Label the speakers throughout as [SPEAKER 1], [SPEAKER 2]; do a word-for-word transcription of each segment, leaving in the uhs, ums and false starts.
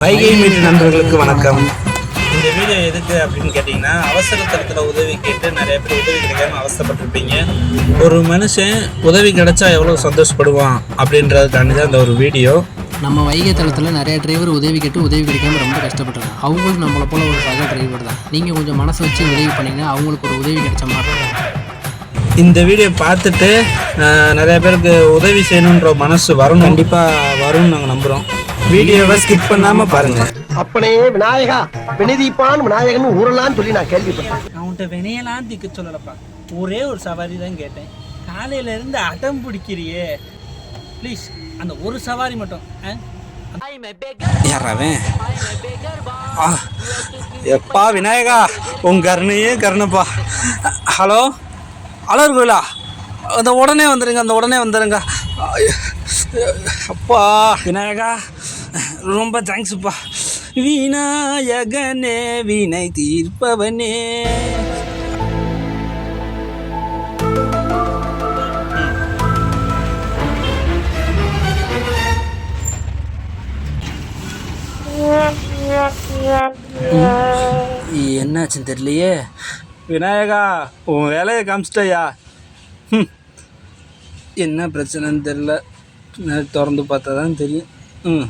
[SPEAKER 1] Vaigai metre நண்பர்களுக்கு வணக்கம். இந்த வீடியோ எதுக்கு அப்படின்னு கேட்டிங்கன்னா, அவசர தரத்தில் உதவி கேட்டு நிறைய பேர் உதவி கிடைக்காம அவசரப்பட்டிருப்பீங்க. ஒரு மனுஷன் உதவி கிடைச்சா எவ்வளோ சந்தோஷப்படுவான் அப்படின்றதுக்காண்டி தான் இந்த ஒரு வீடியோ.
[SPEAKER 2] நம்ம வைகை தளத்தில் நிறைய டிரைவர் உதவி கேட்டு உதவி கிடைக்காம ரொம்ப கஷ்டப்பட்டுருக்காங்க. அவங்களும் நம்மளை போல ஒரு சக டிரைவர் தான். நீங்கள் கொஞ்சம் மனசு வச்சு உதவி பண்ணிங்கன்னா அவங்களுக்கு ஒரு உதவி கிடைச்ச மாதிரி இருக்கும்.
[SPEAKER 1] இந்த வீடியோ பார்த்துட்டு நிறைய பேருக்கு உதவி செய்யணுன்ற மனசு வரும், கண்டிப்பாக வரும்னு நாங்கள் நம்புகிறோம். வீடியோவை ஸ்கிப் பண்ணாம பாருங்க.
[SPEAKER 3] அப்பனே விநாயகா வினதீப்பான் விநாயகன் ஊரெல்லாம் சொல்லி நான் கேள்விப்பட்டேன்.
[SPEAKER 4] அவன்கிட்ட வினையெல்லாம் திக்க சொல்லலப்பா, ஒரே ஒரு சவாரி தான் கேட்டேன். காலையில இருந்து அடம் பிடிக்கிறியே, ப்ளீஸ் அந்த ஒரு சவாரி மட்டும்.
[SPEAKER 1] யாராவன் எப்பா விநாயகா, உங்க கருணையே கருணப்பா. ஹலோ அலர் கோயிலா, அந்த உடனே வந்துடுங்க, அந்த உடனே வந்துடுங்க. அப்பா விநாயகா ரொம்ப தேங்க்ஸுப்பா. விநாயகனே வினை தீர்ப்பவனே. என்னாச்சுன்னு தெரியலையே. விநாயகா உன் வேலையை காமிச்சிட்டயா? என்ன பிரச்சனைன்னு தெரில, திறந்து பார்த்தா தான் தெரியும். ம்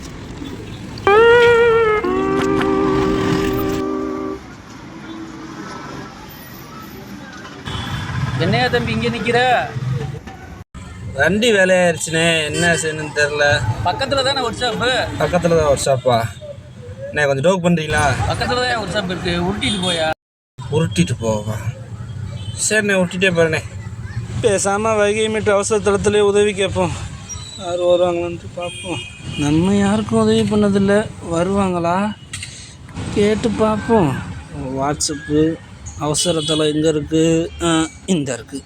[SPEAKER 4] என்னையா தம்பி இங்கே நிற்கிற?
[SPEAKER 1] வண்டி வேலையாயிருச்சுனே, என்ன செய்யணும்னு தெரில.
[SPEAKER 4] பக்கத்தில் தானே ஒர்க் ஷாப்பு?
[SPEAKER 1] பக்கத்தில் தான் ஒர்க் ஷாப்பா? என்ன கொஞ்சம் டோக் பண்ணுறீங்களா?
[SPEAKER 4] பக்கத்தில் தான் ஒர்க் ஷாப் இருக்குது, உருட்டிட்டு போயா?
[SPEAKER 1] உருட்டிட்டு போவா? சரிண்ணே, உருட்டிகிட்டே போகிறேண்ணே. பேசாமல் வைகை மீட்டர் அவசர தளத்துலேயே உதவி கேட்போம். யார் வருவாங்களான்ட்டு பார்ப்போம். நம்ம யாருக்கும் உதவி பண்ணதில்லை, வருவாங்களா கேட்டு பார்ப்போம். வாட்ஸ்அப்பு அவசரத்தில் எங்கே இருக்குது? இந்த இருக்குது.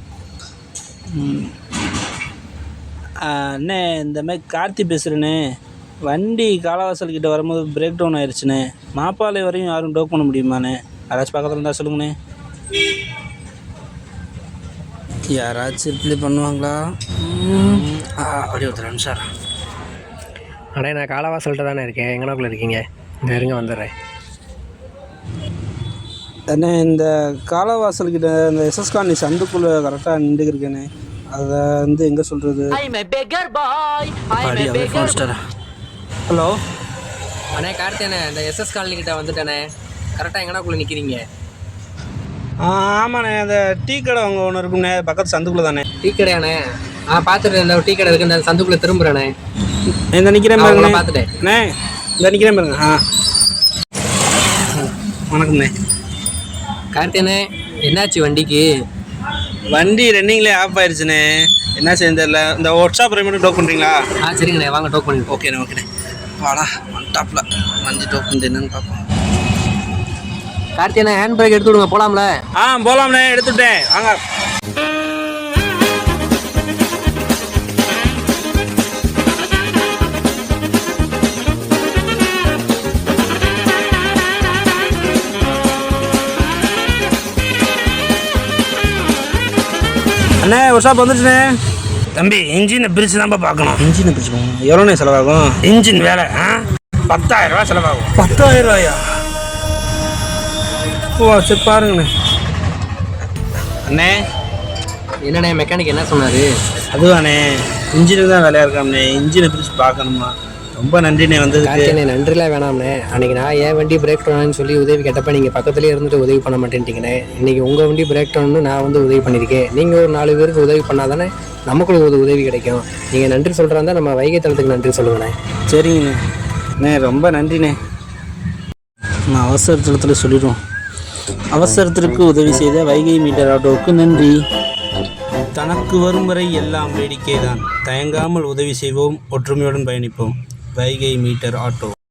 [SPEAKER 1] அண்ணே இந்த மாதிரி கார்த்தி பேசுகிறேண்ணே. வண்டி காலவாசல்கிட்ட வரும்போது பிரேக் டவுன் ஆயிடுச்சுண்ணே. மாப்பாலை வரையும் யாரும் டோக் பண்ண முடியுமாண்ணே? யாராச்சும் பக்கத்தில் இருந்தால் சொல்லுங்கண்ணே. யாராச்சும் ரிப்ளை பண்ணுவாங்களா? அப்படி ஒருத்தர் நிமிஷம்.
[SPEAKER 2] அண்ணே நான் காலவாசல்கிட்ட தானே இருக்கேன், எங்கனாக்குள்ளே இருக்கீங்க? இந்த இருங்க வந்துடுறேன்.
[SPEAKER 1] அண்ணே இந்த காலவாசல்கிட்ட இந்த எஸ்எஸ் காலனி சந்துக்குள்ளே கரெக்டாக நின்றுக்கிருக்கேண்ணே. அதை வந்து எங்கே சொல்கிறது? ஹலோ
[SPEAKER 2] அண்ணே கார்த்தியானே, இந்த எஸ்எஸ் காலனி கிட்ட வந்துட்டேண்ணே. கரெக்டாக எங்கனாக்குள்ளே நிற்கிறீங்க?
[SPEAKER 1] ஆ ஆமாண்ணே, அந்த டீ கடை அங்கே ஒன்று இருக்குண்ணே, பக்கத்து சந்துக்குள்ளே தானே.
[SPEAKER 2] டீ கடையாண்ணே? ஆ பார்த்துட்டு இந்த டீ கடை இருக்குது, இந்த சந்துக்குள்ளே திரும்புகிறேண்ணே.
[SPEAKER 1] இந்த நிற்கிறேன் பாருங்க,
[SPEAKER 2] பார்த்துட்டேன்
[SPEAKER 1] அண்ணே. இந்த நிற்கிறேன் பாருங்க. ஆ வணக்கம்ண்ணே.
[SPEAKER 2] கார்த்தியானே என்னாச்சு வண்டிக்கு?
[SPEAKER 1] வண்டி ரன்னிங்லேயே ஆஃப் ஆயிடுச்சுண்ணே, என்ன செய்ய தெரியல. இந்த ஒர்க் ஷாப் மட்டும் டோக் பண்ணுறீங்களா?
[SPEAKER 2] ஆ சரிங்கண்ணே, வாங்க டோக் பண்ணி.
[SPEAKER 1] ஓகேண்ணே ஓகேண்ணே. வாடா ஒன் டாப்பில் வண்டி டோக் பண்ணிட்டு என்னன்னு பார்ப்போம்.
[SPEAKER 2] கார்த்தியானே ஹேண்ட் பிரேக் எடுத்து விடுங்க, போகலாம்ல?
[SPEAKER 1] ஆ போகலாம்ண்ணே, எடுத்துட்டேன் வாங்க. அண்ணே ஒரு ஷாப் வந்துடுச்சுண்ணே. தம்பி இன்ஜினை பிரித்து தான்ப்பா பார்க்கணும். இன்ஜினை பிரித்து பார்க்கணும். எவ்வளோண்ணே செலவாகும்? இன்ஜின் வேலை ஆ பத்தாயிரம் ரூபா செலவாகும். பத்தாயிரம் ரூபாயா? ஓ சரி பாருங்கண்ணே. அண்ணே
[SPEAKER 2] என்னண்ணே மெக்கானிக் என்ன சொன்னார்?
[SPEAKER 1] அதுவாண்ணே இன்ஜினுக்கு தான் வேலையாக இருக்காம்ண்ணே, இன்ஜினை பிரித்து பார்க்கணுமா. ரொம்ப நன்றிண்ணே வந்தது.
[SPEAKER 2] கார்த்தியானே நன்றிலாம் வேணாம்ண்ணே. அன்றைக்கி நான் ஏன் வண்டி பிரேக் டவுன்னு சொல்லி உதவி கேட்டப்போ நீங்கள் பக்கத்துலேயே இருந்துட்டு உதவி பண்ண மாட்டேன்ட்டிங்கண்ணே. இன்றைக்கி உங்கள் வண்டி பிரேக் டவுன்னு நான் வந்து உதவி பண்ணியிருக்கேன். நீங்கள் ஒரு நாலு பேருக்கு உதவி பண்ணால் தானே நமக்கு ஒரு உதவி கிடைக்கும். நீங்கள் நன்றி சொல்கிறாந்தா நம்ம வைகை தளத்துக்கு நன்றி சொல்லுங்கண்ணே.
[SPEAKER 1] சரிங்கண்ணே. அண்ணே ரொம்ப நன்றிண்ணே. நான் அவசர தளத்தில் சொல்லிடுவோம். அவசரத்திற்கு உதவி செய்த வைகை மீட்டர் ஆட்டோவுக்கு நன்றி. தனக்கு வரும் வரை எல்லாம் வேடிக்கை தான். தயங்காமல் உதவி செய்வோம், ஒற்றுமையுடன் பயணிப்போம். Vaigai meter auto.